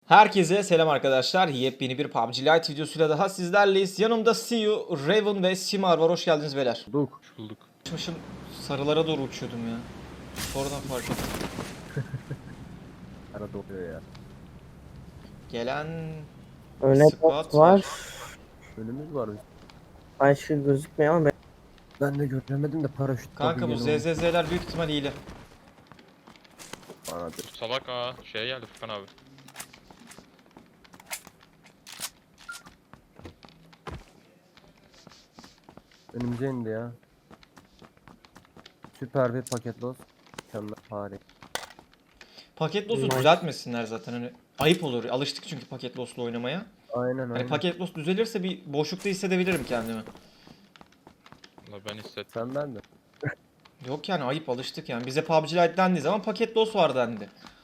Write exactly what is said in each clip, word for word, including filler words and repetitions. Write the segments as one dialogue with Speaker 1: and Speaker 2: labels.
Speaker 1: Herkese selam arkadaşlar. Yepyeni bir P U B G Lite videosuyla daha sizlerleyiz. Yanımda C E O, Raven ve Simar var. Hoş geldiniz beyler.
Speaker 2: Bulduk. Bulduk.
Speaker 1: Uçmuşum, sarılara doğru uçuyordum ya. Sonradan fark ettim.
Speaker 2: Arada oluyor ya.
Speaker 1: Gelen
Speaker 3: Öne
Speaker 1: squad
Speaker 3: bot var.
Speaker 2: Önümüz var.
Speaker 3: Başka gözükmüyor ama ben...
Speaker 2: Ben de göremedim de paraşüt.
Speaker 1: Kanka bu Z Z Z'ler büyük ihtimal hile.
Speaker 2: Anladım.
Speaker 4: Salak ha şeye geldi Furkan abi.
Speaker 2: Önümüze indi ya. Süper bir paket loss. Mükemmel harika.
Speaker 1: Paket loss'u
Speaker 3: Nice.
Speaker 1: düzeltmesinler zaten. Hani ayıp olur. Alıştık çünkü paket loss'la oynamaya.
Speaker 2: Aynen
Speaker 1: Hani
Speaker 2: aynen.
Speaker 1: paket loss düzelirse bir boşlukta hissedebilirim kendimi.
Speaker 4: Valla ben hissettim.
Speaker 2: Sen ben de.
Speaker 1: Yok yani ayıp, alıştık yani. Bize P U B G Lite dendiği zaman paket loss var dendi.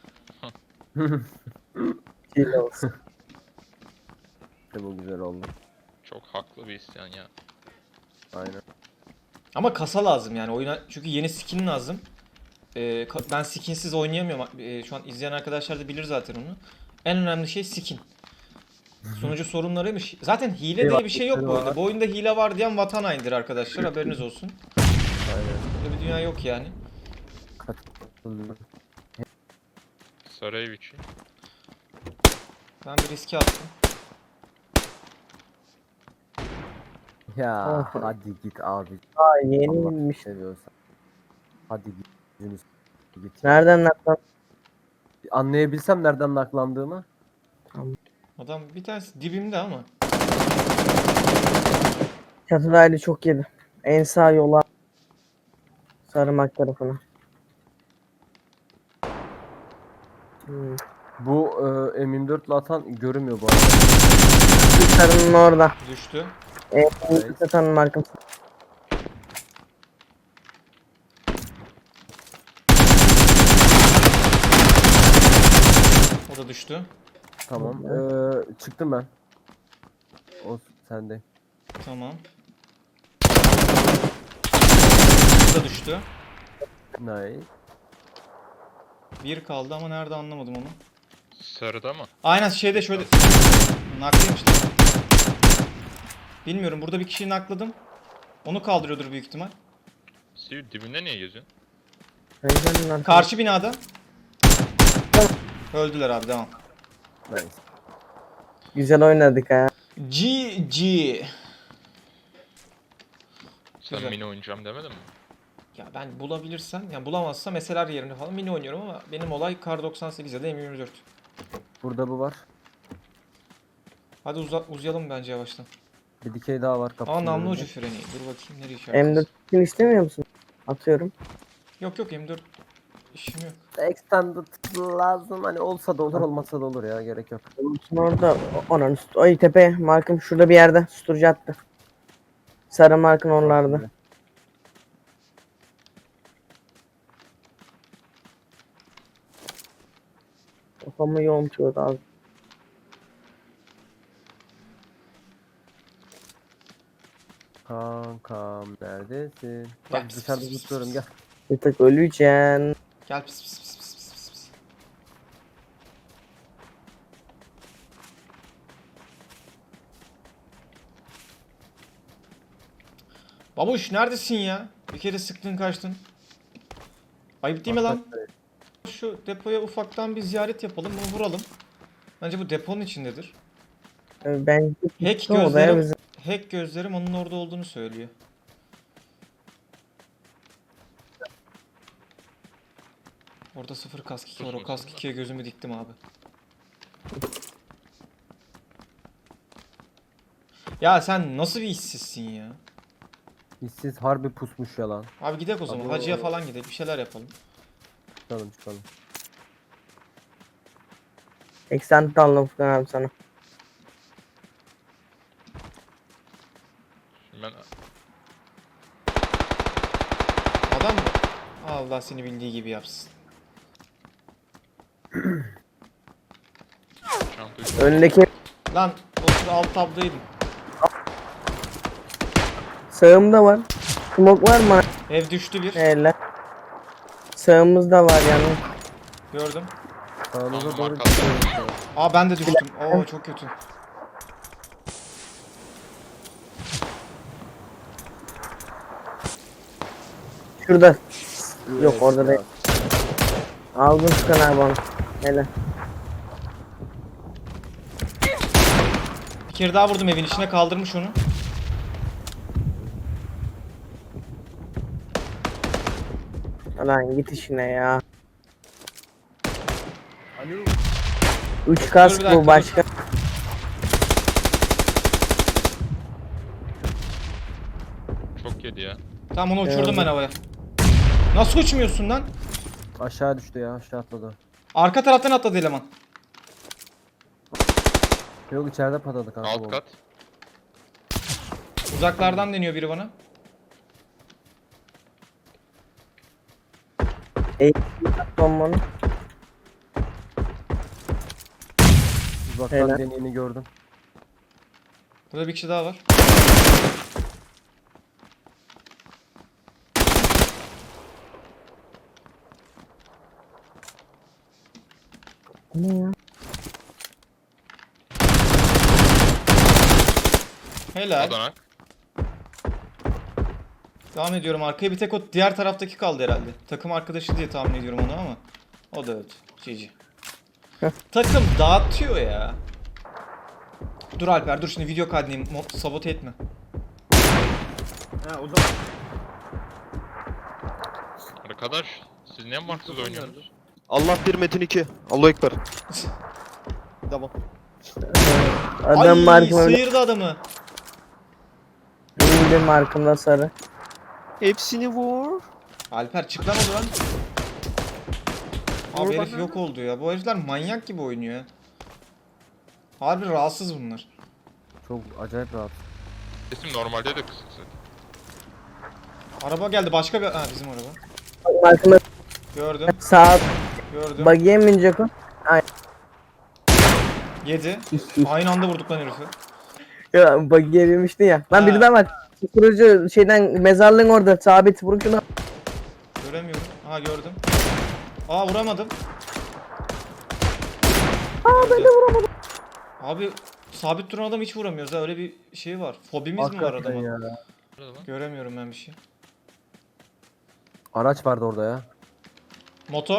Speaker 3: hile olsun.
Speaker 2: İşte bu güzel oldu.
Speaker 4: Çok haklı bir isyan ya.
Speaker 2: Aynen.
Speaker 1: Ama kasa lazım yani oyuna, çünkü yeni skin lazım. Ee, ka- ben skinsiz oynayamıyorum. Ee, şu an izleyen arkadaşlar da bilir zaten onu. En önemli şey skin. Sunucu sorunlarıymış. Zaten hile
Speaker 2: Eyvah,
Speaker 1: diye bir şey yok bu
Speaker 2: var.
Speaker 1: oyunda. Bu oyunda hile var diyen vatan hainidir arkadaşlar, haberiniz olsun.
Speaker 2: Aynen.
Speaker 1: Böyle bir dünya yok yani.
Speaker 2: Katıldım.
Speaker 4: Sarı ev için.
Speaker 1: Ben bir riske attım.
Speaker 2: Ya
Speaker 3: Ah.
Speaker 2: hadi git abi.
Speaker 3: Aa
Speaker 2: Allah
Speaker 3: yeniymiş.
Speaker 2: seviyorsan. Hadi git. Yunus. Git.
Speaker 3: Nereden naklan?
Speaker 2: Anlayabilsem nereden naklandığımı.
Speaker 1: Adam bir tanesi dibimde ama.
Speaker 3: Çatıdaydı, çok yedi. En sağ yola. Sarımak tarafına. Hmm.
Speaker 2: Bu e, M yirmi dört ile atan görünmüyor bu arada.
Speaker 3: Sarının orada.
Speaker 1: Düştü.
Speaker 3: En
Speaker 2: Evet.
Speaker 3: satanın markası.
Speaker 1: O da düştü.
Speaker 2: Tamam. Ee, çıktım ben. O sende.
Speaker 1: Tamam. O da düştü.
Speaker 2: Nice.
Speaker 1: Bir kaldı ama nerede anlamadım onu.
Speaker 4: Sarıda mı?
Speaker 1: Aynen şeyde şöyle naklıymış lan. Bilmiyorum, burada bir kişiyi nakladım. Onu kaldırıyordur büyük ihtimal.
Speaker 4: Siv dibinde niye geziyorsun?
Speaker 3: Rengenin arkası.
Speaker 1: Karşı binada. Öldüler abi, devam.
Speaker 2: Nice.
Speaker 3: Güzel oynadık ha.
Speaker 1: G G.
Speaker 4: Sen
Speaker 1: Güzel.
Speaker 4: mini oynayacağım demedin mi?
Speaker 1: Ya ben bulabilirsem, yani bulamazsam mesela yerine falan mini oynuyorum ama benim olay Kar doksan sekiz ya da M yirmi dört.
Speaker 2: Burada bu var.
Speaker 1: Hadi uza uzayalım bence yavaştan.
Speaker 2: Bir dikey daha var kapının
Speaker 1: Aa, namlu
Speaker 2: önünde.
Speaker 1: ucu freni. Dur bakayım nereye
Speaker 3: M
Speaker 1: işaretliyorsun?
Speaker 3: dört'ün istemiyor musun? Atıyorum.
Speaker 1: Yok yok, M yirmi dört işim yok.
Speaker 2: Extended lazım, hani olsa da olur olmasa da olur ya, gerek yok.
Speaker 3: Olsun orada. Onun üstü. Ay tepe. Markım şurada bir yerde. Susturucu attı. Sarı markın oralarda. Kafamı yontuyordu abi.
Speaker 2: Kankam neredesin?
Speaker 1: Gel,
Speaker 2: Bak
Speaker 1: pis,
Speaker 2: dışarıda
Speaker 1: pis, pis,
Speaker 2: tutuyorum,
Speaker 1: pis,
Speaker 2: gel.
Speaker 1: pis.
Speaker 3: Bir tık öleceksin.
Speaker 1: Gel pis pis pis pis pis pis pis. Babuş neredesin ya? Bir kere sıktın kaçtın. Ayıp değil mi lan? Şu depoya ufaktan bir ziyaret yapalım, bunu vuralım. Bence bu deponun içindedir.
Speaker 3: Ee, Ben
Speaker 1: Hack
Speaker 3: gittim odaya
Speaker 1: gözlerim,
Speaker 3: bizim.
Speaker 1: hack gözlerim onun orada olduğunu söylüyor. Orada sıfır kask iki var. O kask ikiye gözümü diktim abi. Ya sen nasıl bir işsizsin ya?
Speaker 2: İşsiz harbi pusmuş yalan.
Speaker 1: Abi gidelim o zaman.
Speaker 2: Abi o-
Speaker 1: Hacıya falan gidelim. Bir şeyler yapalım.
Speaker 2: Çıkalım çıkalım.
Speaker 3: Eksent aldım Furkan abi sana.
Speaker 4: Şimdi ben
Speaker 1: Adam mı? Allah seni bildiği gibi yapsın.
Speaker 4: çantayı
Speaker 3: Öndeki
Speaker 1: Lan o sıra alt tabdaydım.
Speaker 3: sağımda var. Smoke var mı?
Speaker 1: Ev düştü bir.
Speaker 3: Hele. Sağımızda var yani.
Speaker 1: Gördüm.
Speaker 2: Sağınıza
Speaker 4: Tamam,
Speaker 2: doğru
Speaker 4: arkada.
Speaker 2: gidiyorum.
Speaker 1: Aa ben de düştüm. Oo çok kötü.
Speaker 3: Şurada. Yok,
Speaker 2: Evet,
Speaker 3: orada
Speaker 2: ya.
Speaker 3: değil. Aldın Furkan abi onu. Hele.
Speaker 1: Bir kere daha vurdum evin içine kaldırmış onu.
Speaker 3: Lan git işine ya.
Speaker 2: Alo.
Speaker 3: Üç
Speaker 1: Dur
Speaker 3: kask
Speaker 1: bir dakika,
Speaker 3: bu
Speaker 1: dur.
Speaker 3: başka.
Speaker 4: Çok yedi ya.
Speaker 1: Tamam onu uçurdum
Speaker 3: Evet.
Speaker 1: ben havaya. Nasıl uçmuyorsun lan?
Speaker 2: Aşağı düştü ya, aşağı atladı.
Speaker 1: Arka taraftan atladı eleman.
Speaker 2: Yok, içeride patladı kanka.
Speaker 4: Alt
Speaker 2: bu.
Speaker 4: kat.
Speaker 1: Uzaklardan deniyor biri bana.
Speaker 3: Bombanı.
Speaker 2: Uzaktan
Speaker 3: Helal.
Speaker 2: deneyini gördüm.
Speaker 1: Burada bir kişi daha var.
Speaker 3: Ne ya?
Speaker 1: Helal.
Speaker 4: Adanak.
Speaker 1: Devam ediyorum arkaya. Bir tek o diğer taraftaki kaldı herhalde. Takım arkadaşı diye tahmin ediyorum onu ama. O da öldü. G G. Takım dağıtıyor ya. Dur Alper dur şimdi video kaydedeyim. Mo- Sabote etme.
Speaker 2: Ha, o zaman.
Speaker 4: Arkadaş siz niye marksız oynuyorsunuz?
Speaker 5: Allah bir Metin iki. Allahu Ekber. Tamam.
Speaker 3: Adam
Speaker 1: Ay
Speaker 3: markım öyle.
Speaker 1: sıyırdı adamı.
Speaker 3: Benim de markımda sarı.
Speaker 5: Hepsini vur.
Speaker 1: Alper çık lan oradan. Abi
Speaker 5: Vur
Speaker 1: herif
Speaker 5: bana.
Speaker 1: yok oldu ya. Bu herifler manyak gibi oynuyor ya. Harbi rahatsız bunlar.
Speaker 2: Çok acayip rahat.
Speaker 4: Sesim normalde de kısık zaten.
Speaker 1: Araba geldi başka bir... Ha bizim araba.
Speaker 3: Markımda
Speaker 1: Gördüm
Speaker 3: sağ
Speaker 1: gördüm.
Speaker 3: bagiye mi binecek o?
Speaker 1: Yedi. Aynı anda vurduk lan herifi.
Speaker 3: Ya bagiye binmişti ya. Lan
Speaker 1: Ha.
Speaker 3: biri daha var. Kurucu şeyden mezarlığın orada sabit vur şunu.
Speaker 1: Göremiyorum. Aha gördüm. Aa vuramadım.
Speaker 3: Aa ben de vuramadım.
Speaker 1: Abi sabit duran adam hiç vuramıyoruz ha. Öyle bir şey var. Fobimiz mi var
Speaker 2: Hakikaten
Speaker 1: adamın?
Speaker 2: ya.
Speaker 4: Nerede lan?
Speaker 1: Göremiyorum ben bir şey.
Speaker 2: Araç vardı orada ya.
Speaker 1: Motor.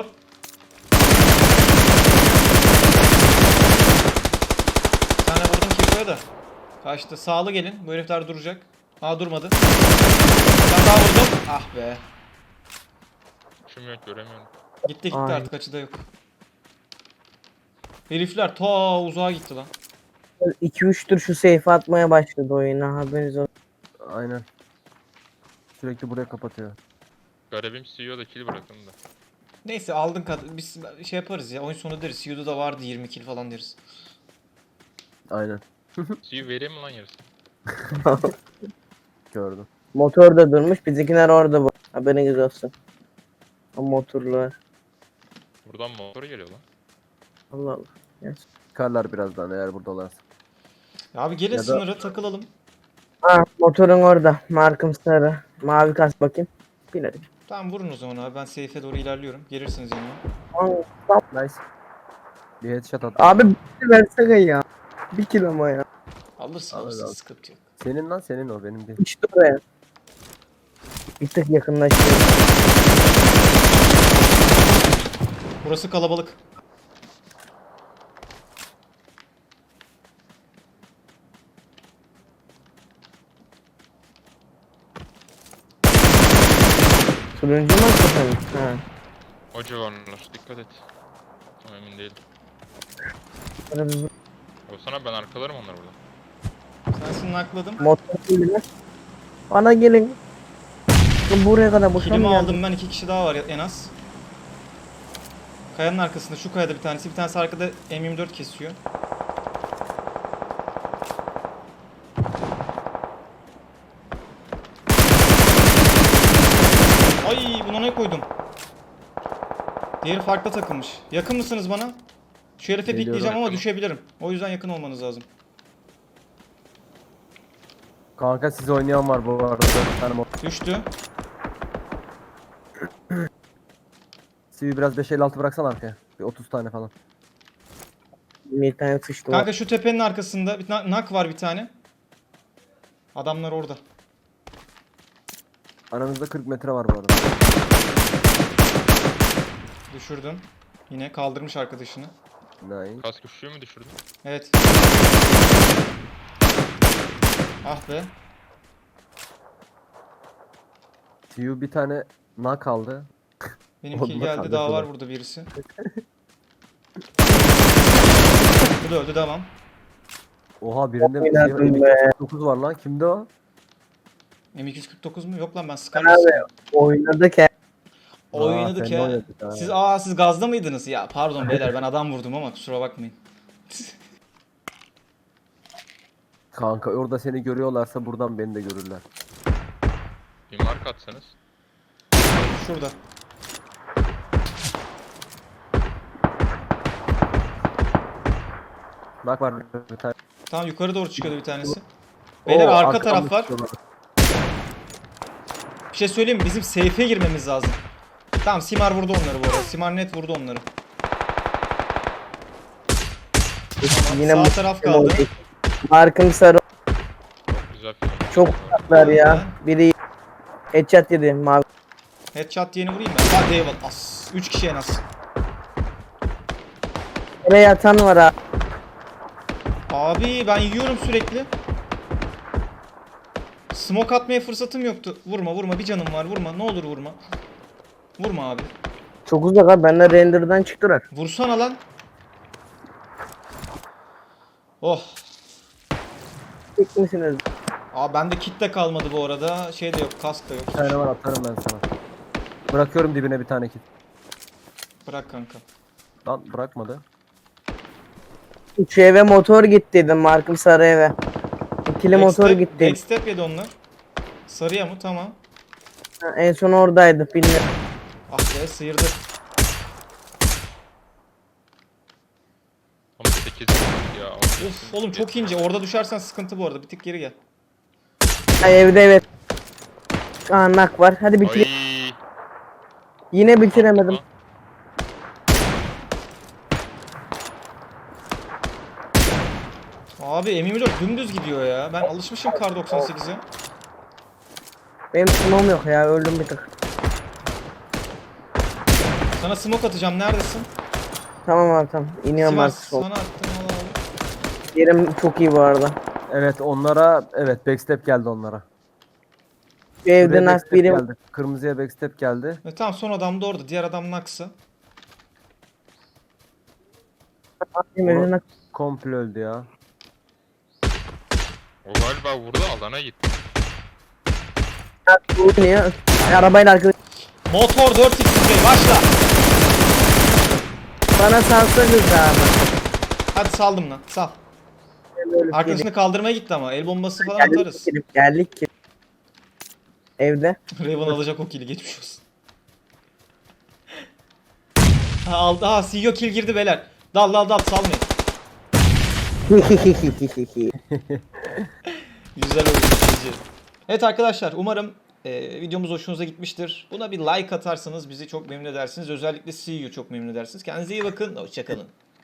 Speaker 1: Bir tane vurdum Kiko'ya da. Kaçtı. Sağlı gelin. Bu herifler duracak. Aa durmadı. Ben daha vurdum. Ah be.
Speaker 4: Şum yok göremiyorum.
Speaker 1: Gitti gitti
Speaker 3: Ay.
Speaker 1: artık açıda yok. Herifler ta uzağa gitti lan.
Speaker 3: iki üç tur şu seyfe atmaya başladı oyuna haberiniz olsun.
Speaker 2: Aynen. Sürekli buraya kapatıyor.
Speaker 4: Garibim C E O da kill bırakın da.
Speaker 1: Neyse aldın kadar biz şey yaparız ya oyun sonu deriz. C E O'da da vardı yirmi kill falan deriz.
Speaker 2: Aynen.
Speaker 4: C E O vereyim mi lan yarısını?
Speaker 2: Gördüm.
Speaker 3: Motor da durmuş bizimkiler orada bu. Haberiniz olsun. O motorlar.
Speaker 4: Buradan motor geliyor lan.
Speaker 3: Allah Allah. Yes.
Speaker 2: Çıkarlar birazdan eğer buradalarsa.
Speaker 1: Ya abi gelin
Speaker 2: Ya da-
Speaker 1: sınıra takılalım.
Speaker 3: Ha motorun orada. Markım sarı. Mavi kas bakayım. Bilerim.
Speaker 1: Tamam vurun o zaman abi ben safe'e doğru ilerliyorum. Gelirsiniz yanıma.
Speaker 3: Aa,
Speaker 2: Nice. Bir headshot attım.
Speaker 3: Abi bir kill versene ya. Bir kill ama ya.
Speaker 1: Alırsın
Speaker 2: Alır,
Speaker 1: alırsın
Speaker 2: alır.
Speaker 1: sıkıntı yok.
Speaker 2: Senin lan senin o benim değil.
Speaker 3: İşte oraya. Bir tık yakınlaştı.
Speaker 1: Burası kalabalık.
Speaker 3: Turuncu mu hakikaten? Ha.
Speaker 4: O civarlar dikkat et. Tam emin değilim.
Speaker 3: Böyle bir
Speaker 4: Olsana ben arkalarım onları burada.
Speaker 1: Sensin nakladım.
Speaker 3: motor değil. Bana gelin. Lan buraya kadar boşuna
Speaker 1: Kilimi
Speaker 3: mı geldin?
Speaker 1: aldım ben iki kişi daha var ya- en az. Kayanın arkasında şu kayada bir tanesi bir tanesi arkada M yirmi dört kesiyor. Ay buna ne koydum? Diğeri farklı takılmış. Yakın mısınız bana? Şu herife
Speaker 2: Geliyorum.
Speaker 1: pikleyeceğim ama
Speaker 4: Yakınım.
Speaker 1: düşebilirim. O yüzden yakın olmanız lazım.
Speaker 2: Kanka siz oynayan var bu arada. Bir tane mod.
Speaker 1: Düştü.
Speaker 2: C V biraz beş elli altı bıraksan arkaya. Bir otuz tane falan.
Speaker 3: Bir tane sıçtı var.
Speaker 1: Kanka şu tepenin arkasında bir na- nak var bir tane. Adamlar orada.
Speaker 2: Aranızda kırk metre var bu arada.
Speaker 1: Düşürdün. Yine kaldırmış arkadaşını.
Speaker 2: Nice.
Speaker 4: Kask üşüyor mu düşürdün?
Speaker 1: Evet. Ah be.
Speaker 2: C U bir tane nak aldı.
Speaker 1: Benim
Speaker 2: Oğlum
Speaker 1: kill
Speaker 2: bak
Speaker 1: geldi,
Speaker 2: kardeşim
Speaker 1: daha var
Speaker 2: bak.
Speaker 1: burada birisi. Bu da öldü, devam.
Speaker 2: Oha birinde
Speaker 3: Çok oynadım
Speaker 2: M iki yüz dokuz var lan. Kimde o?
Speaker 1: M iki yüz kırk dokuz mu? Yok lan, ben
Speaker 3: Abi
Speaker 1: Scarlet'ım.
Speaker 3: oynadık ya.
Speaker 1: Oynadık
Speaker 2: seninle
Speaker 1: ya.
Speaker 2: oynadık ha.
Speaker 1: Siz aa siz gazda mıydınız? Ya pardon beyler, ben adam vurdum ama kusura bakmayın.
Speaker 2: Kanka orada seni görüyorlarsa buradan beni de görürler.
Speaker 4: Bir mark atsanız.
Speaker 1: Şurada.
Speaker 2: Bak var bir tane.
Speaker 1: Tamam, yukarı doğru çıkıyordu bir tanesi. Beyler
Speaker 2: Oo,
Speaker 1: arka
Speaker 2: arkadan
Speaker 1: taraf var.
Speaker 2: çıkıyorlar.
Speaker 1: Bir şey söyleyeyim mi? Bizim safe'e girmemiz lazım. Tamam, Simar vurdu onları bu arada. Simar net vurdu onları. Tamam,
Speaker 3: Yine
Speaker 1: sağ
Speaker 3: bu-
Speaker 1: taraf kaldı.
Speaker 3: Markım sarı.
Speaker 4: Çok güzel film.
Speaker 3: Çok uzaklar ya. Biri headshot yedi mavi.
Speaker 1: Headshot diyeni vurayım ben. Hadi eyvallah. As. üç kişi en az.
Speaker 3: Oraya yatan var abi.
Speaker 1: Abi ben yiyorum sürekli. Smoke atmaya fırsatım yoktu. Vurma vurma, bir canım var, vurma. Ne olur vurma. Vurma abi.
Speaker 3: Çok uzak abi. Benler render'dan çıktılar.
Speaker 1: Vursana lan. Oh.
Speaker 3: Tek misiniz?
Speaker 1: Aa bende kit de kalmadı bu arada. Şey de yok, kask da yok.
Speaker 2: Bir tane var atarım ben sana. Bırakıyorum dibine bir tane kit.
Speaker 1: Bırak kanka.
Speaker 2: Lan bırakmadı.
Speaker 3: Üç eve motor gittiydi Markım sarı eve. İkili motor
Speaker 1: Backstep-
Speaker 3: gitti.
Speaker 1: Backstep yedi onlar. Sarıya mı? Tamam.
Speaker 3: Ha, en son oradaydı bilmiyorum.
Speaker 1: Ah be, sıyırdı.
Speaker 4: Ama sekiz ya.
Speaker 1: Of oğlum çok ince. Orada düşersen sıkıntı bu arada. Bir tık geri gel.
Speaker 3: Ha, evde evet. Aa nak var. Hadi bitir.
Speaker 4: Ay.
Speaker 3: Yine bitiremedim.
Speaker 1: Abi M yirmi dört dümdüz gidiyor ya. Ben alışmışım Kar doksan sekize.
Speaker 3: Benim smoke'um yok ya. Öldüm bir tık.
Speaker 1: Sana smoke atacağım. Neredesin?
Speaker 3: Tamam abi tamam. İniyorum
Speaker 1: Sivas,
Speaker 3: artık sol.
Speaker 1: sana attım. Al al.
Speaker 3: Yerim çok iyi bu arada.
Speaker 2: Evet onlara evet backstep geldi onlara.
Speaker 3: Şu evde
Speaker 2: Buraya
Speaker 3: nak
Speaker 2: backstep
Speaker 3: biri
Speaker 2: geldi. Kırmızıya backstep geldi.
Speaker 1: E, tamam, son adam da orada. Diğer adam naksa.
Speaker 3: evde nak.
Speaker 2: Komple öldü ya.
Speaker 4: O galiba vurdu, alana gitti.
Speaker 3: oynuyor. Arabayla arkadaş.
Speaker 1: Motor dört x başla.
Speaker 3: Bana salsanız abi.
Speaker 1: Hadi saldım lan. Sal.
Speaker 3: Böyle
Speaker 1: Arkadaşını kaldırmaya gitti ama. El bombası falan
Speaker 3: geldik
Speaker 1: atarız.
Speaker 3: ki. Geldik ki. Evde.
Speaker 1: Raven alacak o kill'i, geçmiş olsun. Ha aldı. Ha C E O kill girdi beyler. Dal dal dal, salmayın. Güzel oldu. ikinci. Evet arkadaşlar, umarım e, videomuz hoşunuza gitmiştir. Buna bir like atarsanız bizi çok memnun edersiniz. Özellikle C E O'yu çok memnun edersiniz. Kendinize iyi bakın. Hoşçakalın.